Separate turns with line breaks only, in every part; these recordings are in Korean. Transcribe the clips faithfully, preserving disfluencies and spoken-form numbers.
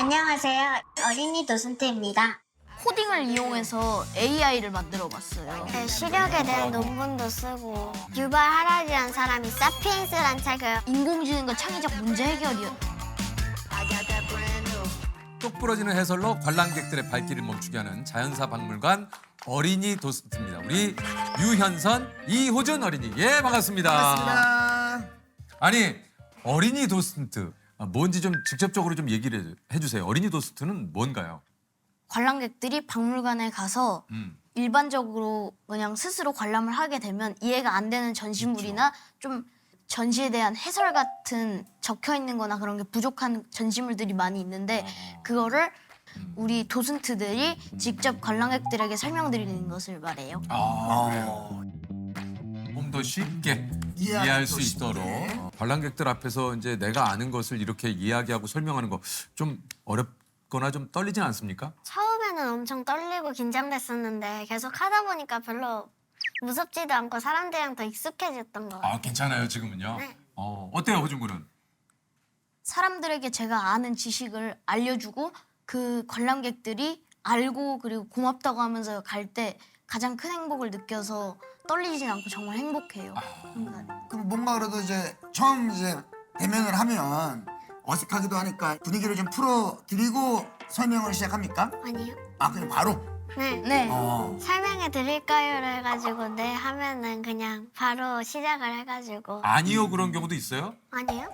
안녕하세요. 어린이 도슨트입니다.
코딩을 이용해서 에이아이를 만들어봤어요.
네, 시력에 대한 논문도 쓰고 유발 하라리라는 사람이 사피엔스라는 책을
인공지능과 창의적 문제 해결이요.
똑부러지는 해설로 관람객들의 발길을 멈추게 하는 자연사 박물관 어린이 도슨트입니다. 우리 유현선, 이호준 어린이. 예, 반갑습니다.
반갑습니다.
아니, 어린이 도슨트. 뭔지 좀 직접적으로 좀 얘기를 해주세요. 어린이 도슨트는 뭔가요?
관람객들이 박물관에 가서
음.
일반적으로 그냥 스스로 관람을 하게 되면 이해가 안 되는 전시물이나 좀 전시에 대한 해설 같은 적혀 있는 거나 그런 게 부족한 전시물들이 많이 있는데 그거를 우리 도슨트들이 직접 관람객들에게 설명드리는 것을 말해요.
아, 그래요. 좀 더 쉽게
이해하기
이해할 수
더 쉽게.
있도록 어, 관람객들 앞에서 이제 내가 아는 것을 이렇게 이야기하고 설명하는 거 좀 어렵거나 좀 떨리진 않습니까?
처음에는 엄청 떨리고 긴장됐었는데 계속 하다 보니까 별로 무섭지도 않고 사람들이랑 더 익숙해졌던 것 같아요.
아, 괜찮아요, 지금은요?
네.
어, 어때요, 호준 군은?
사람들에게 제가 아는 지식을 알려주고 그 관람객들이 알고 그리고 고맙다고 하면서 갈 때 가장 큰 행복을 느껴서 떨리진 않고 정말 행복해요. 순간.
그럼 뭔가 그래도 이제 처음 이제 대면을 하면 어색하기도 하니까 분위기를 좀 풀어드리고 설명을 시작합니까?
아니요.
아 그냥 바로?
네.
네.
어.
설명해 드릴까요를 해가지고 네 하면은 그냥 바로 시작을 해가지고
아니요, 그런 경우도 있어요?
아니요?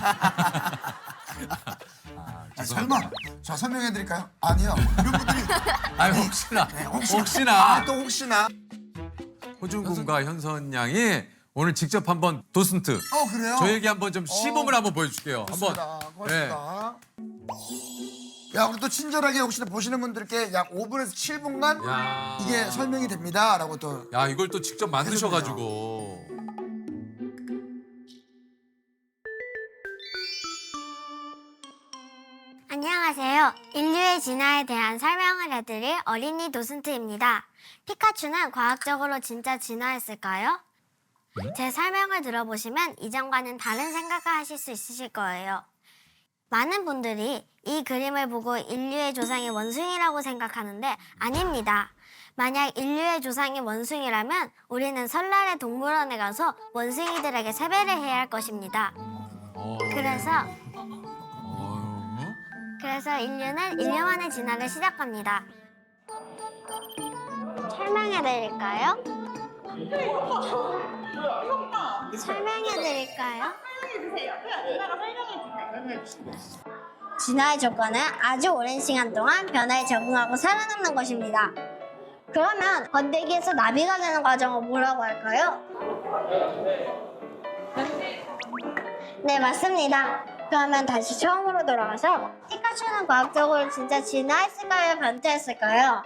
아, 설마 저 설명해드릴까요? 아니요. 이런 분들이
아니, 혹시나,
네, 혹시나.
혹시나.
아, 또 혹시나.
호준 군과 현선 양이 오늘 직접 한번 도슨트
어 그래요?
저에게 한번 좀 시범을 한번 보여줄게요. 한번.
고맙습니다. 고맙습니다. 야 우리 또 친절하게 혹시나 보시는 분들께 약 오 분에서 칠 분간
야.
이게 설명이 됩니다라고 또
야, 이걸 또 직접 만드셔가지고.
안녕하세요. 인류의 진화에 대한 설명을 해드릴 어린이 도슨트입니다. 피카츄는 과학적으로 진짜 진화했을까요? 제 설명을 들어보시면 이전과는 다른 생각을 하실 수 있으실 거예요. 많은 분들이 이 그림을 보고 인류의 조상이 원숭이라고 생각하는데 아닙니다. 만약 인류의 조상이 원숭이라면 우리는 설날에 동물원에 가서 원숭이들에게 세배를 해야 할 것입니다.
어.
그래서
어.
그래서 인류는 일 년 만에 진화를 시작합니다. 설명해 드릴까요? 설명해 드릴까요? 진화의 조건은 아주 오랜 시간 동안 변화에 적응하고 살아남는 것입니다. 그러면 번데기에서 나비가 되는 과정을 뭐라고 할까요? 네, 맞습니다. 그러면 다시 처음으로 돌아가서 피카츄는 과학적으로 진짜 진화했을까요? 변태했을까요?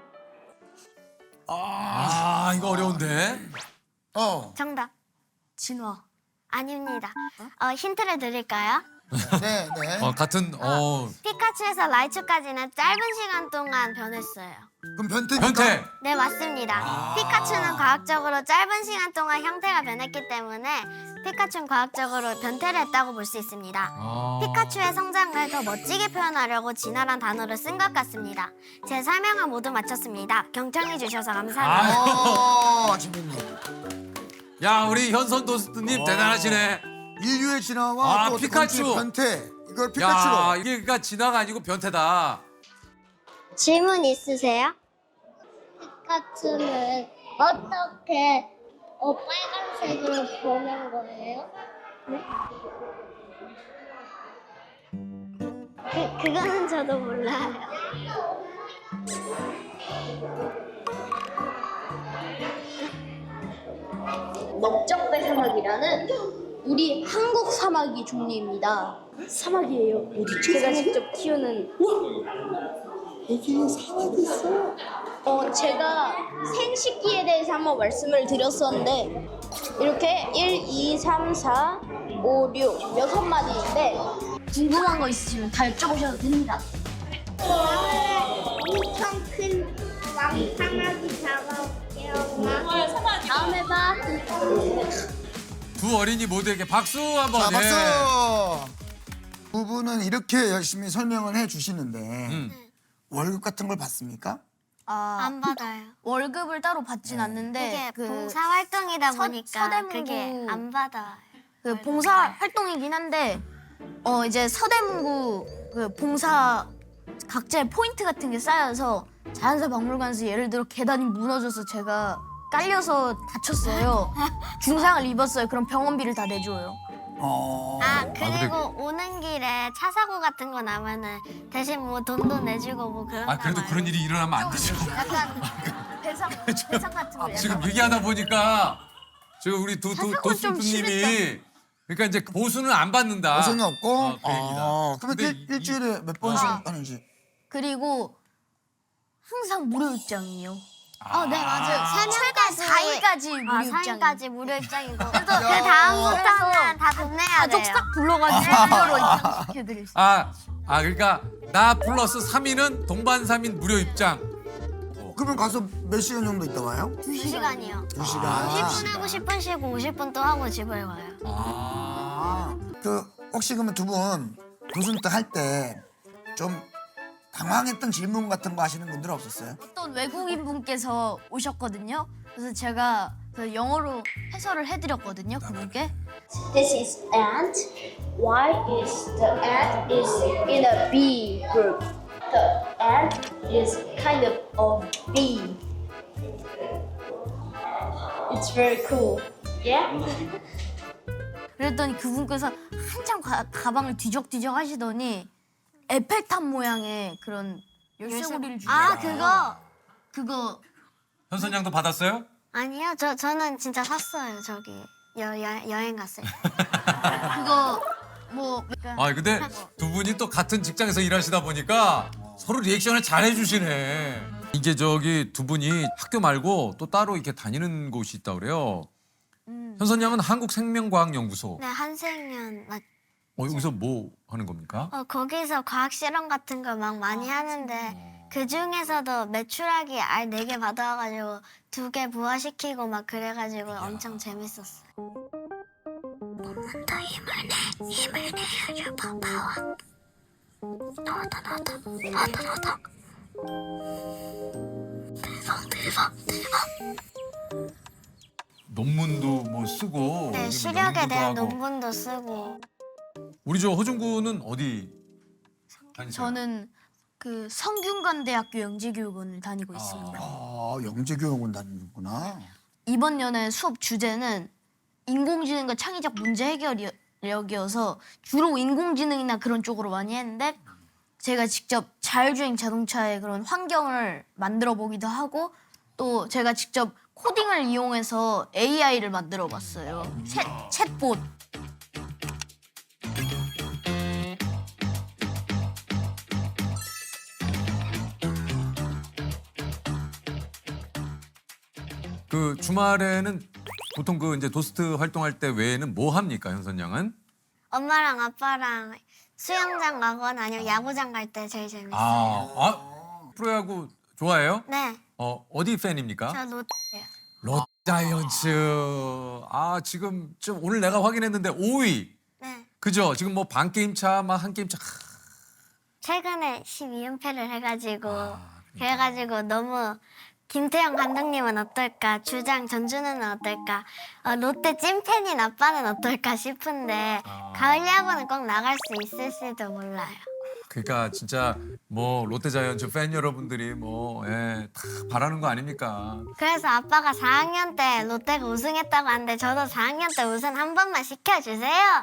아, 이거 어려운데?
어.
정답.
진화.
아닙니다. 어, 힌트를 드릴까요?
네 네.
어, 같은, 어,
피카츄에서 라이츄까지는 짧은 시간 동안 변했어요.
그럼 변태니까.
변태!
네, 맞습니다. 피카츄는 과학적으로 짧은 시간 동안 형태가 변했기 때문에 피카츄는 과학적으로 변태를 했다고 볼 수 있습니다.
아.
피카츄의 성장을 더 멋지게 표현하려고 진화란 단어를 쓴 것 같습니다. 제 설명을 모두 마쳤습니다. 경청해 주셔서 감사합니다.
어 재밌네.
야, 우리 현선 도슨트님 대단하시네.
인류의 진화와
아,
또
피카츄.
건축의 변태. 이걸 피카츄로.
야, 이게 그러니까 진화가 아니고 변태다.
질문 있으세요? 피카츄는 어떻게 어, 빨간색으로 보는 거예요? 네? 그, 그거는 저도 몰라요.
넓적배 사막이라는 우리 한국 사마귀 종류입니다. 사마귀예요. 제가 직접 키우는.
여기에 사람이 있어.
어, 제가 생식기에 대해서 한번 말씀을 드렸었는데 이렇게 일, 이, 삼, 사, 오, 육 여섯 마디인데 궁금한 거 있으시면 다 여쭤보셔도 됩니다.
엄청 큰 왕사마귀 잡아올게요.
다음에 봐.
두 어린이 모두에게 박수 한번.
자,
예.
박수. 두 분은 이렇게 열심히 설명을 해 주시는데
음.
월급 같은 걸 받습니까?
아,
안 받아요.
월급을 따로 받진 않는데
이게
그
봉사 활동이다
서-
보니까
서대문구
그게 안 받아요.
그 봉사 활동이긴 한데 어 이제 서대문구 그 봉사 각자의 포인트 같은 게 쌓여서 자연사 박물관에서 예를 들어 계단이 무너져서 제가 깔려서 다쳤어요. 중상을 입었어요. 그럼 병원비를 다 내줘요.
어.
아
근데-
그리고 오는 길에 차 사고 같은 거 나면은 대신 뭐 돈도 내주고 뭐 그런.
아 그래도 그런 일이 일어나면 안 되죠.
약간 배상 배상 같은 거. 약간.
지금 얘기하다 보니까 지금 우리 도, 도,
사상은 좀
도수님이 그러니까 이제 보수는 안 받는다.
보수는 없고.
어, 그 얘기다.
아, 그러면
근데
일,
이-
일주일에 몇 번씩
아.
하는지.
그리고 항상 무료 입장이에요.
어, 네 맞아요. 세
최대 사 일까지 무료
아,
입장.
사 일까지 무료 입장이고 또 그 다음부터는 다 돈 내야 돼요.
가족 싹 불러가지고 무료로 입장시켜드릴 수.
아, 아 그러니까 나 플러스 삼 인은 동반 삼 인 무료 입장.
그러면 가서 몇 시간 정도 있다 와요?
두 시간이요.
두 시간.
십 분 하고 십 분 쉬고 오십 분 또 하고 집에 와요.
아.
그 혹시 그러면 두 분 도슨트 할 때 좀 당황했던 질문 같은 거 하시는 분들 없었어요?
어떤 외국인 분께서 오셨거든요. 그래서 제가 그 영어로 해설을 해드렸거든요. 그분께.
This is ant. Why is the ant is in a bee group? The ant is kind of a bee. It's very cool. Yeah?
그랬더니 그분께서 한참 가, 가방을 뒤적뒤적 하시더니 에펠탑 모양의 그런 열쇠고리를 주세요.
아 그거
그거
현선 양도 받았어요?
아니요. 저 저는 진짜 샀어요. 저기 여, 여 여행 갔을 때.
그거 뭐 그러니까
아 근데 두 분이 또 같은 직장에서 일하시다 보니까 서로 리액션을 잘 해주시네. 이게 저기 두 분이 학교 말고 또 따로 이렇게 다니는 곳이 있다 그래요. 현선 양은 한국생명과학연구소.
네 한생년 맞.
어, 여기서 뭐 하는 겁니까?
어 거기서 과학 실험 같은 거 막 많이 하는데 그 중에서도 메추라기 알 네 개 받아가지고 두 개 부화시키고 막 그래가지고 엄청 재밌었어요. 더 힘을 내, 힘을 내야죠, 파워. 나왔다, 나왔다, 나왔다, 나왔다. 대박, 대박, 대박.
논문도 뭐 쓰고.
네,
여기
시력에
연구도
대한
하고.
논문도 쓰고.
우리 저 허준 군은 어디 다니세요?
저는 그 성균관대학교 영재교육원을 다니고 있습니다.
아, 영재교육원 다니는구나.
이번 연의 수업 주제는 인공지능과 창의적 문제 해결력이어서 주로 인공지능이나 그런 쪽으로 많이 했는데 제가 직접 자율주행 자동차의 그런 환경을 만들어 보기도 하고 또 제가 직접 코딩을 이용해서 에이아이를 만들어 봤어요. 챗, 챗봇.
그 주말에는 보통 그 이제 도스트 활동할 때 외에는 뭐 합니까, 현선 양은?
엄마랑 아빠랑 수영장 가거나 아니면 야구장 갈 때 제일 재밌어요.
아, 아 프로야구 좋아해요?
네,
어 어디 팬입니까?
저 롯데요.
롯자이언츠. 아 지금 좀 오늘 내가 확인했는데 오 위.
네,
그죠? 지금 뭐 반 게임 차, 막 한 게임 차.
최근에 십이 연패를 해가지고
아,
그래가지고 너무 김태형 감독님은 어떨까, 주장 전준우는 어떨까, 어, 롯데 찐팬인 아빠는 어떨까 싶은데
아.
가을 야구는 꼭 나갈 수 있을지도 몰라요.
그러니까 진짜 뭐 롯데자이언츠 팬 여러분들이 뭐 예, 다 바라는 거 아닙니까?
그래서 아빠가 사 학년 때 롯데가 우승했다고 하는데 저도 사 학년 때 우승 한 번만 시켜주세요.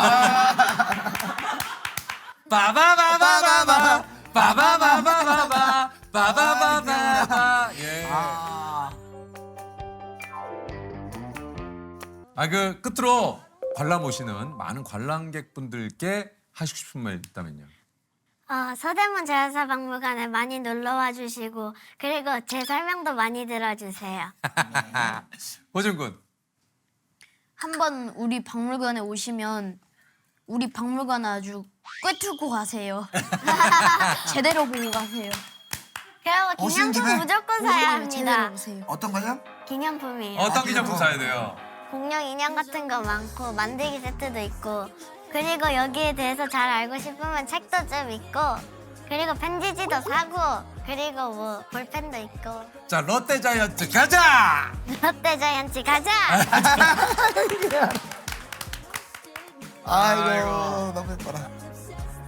빠바바바바바 빠바바바바바 빠바바바바 예.
아,
아 그 끝으로 관람 오시는 많은 관람객분들께 하시고 싶은 말 있다면요.
어, 서대문 자연사박물관에 많이 놀러와 주시고 그리고 제 설명도 많이 들어주세요.
호준 군.
한번 우리 박물관에 오시면 우리 박물관 아주 꿰뚫고 가세요. 제대로 보고 가세요.
그리고
오신
기념품
김에
무조건 사야
오시면 제대로
합니다.
보세요.
어떤 거요?
기념품이에요.
어떤 기념품 사야 돼요?
공룡 인형 같은 거 많고 만들기 세트도 있고 그리고 여기에 대해서 잘 알고 싶으면 책도 좀 읽고 그리고 편지지도 사고 그리고 뭐 볼펜도 있고
자 롯데자이언츠 가자.
롯데자이언츠 가자.
아이고 너무 예뻐라.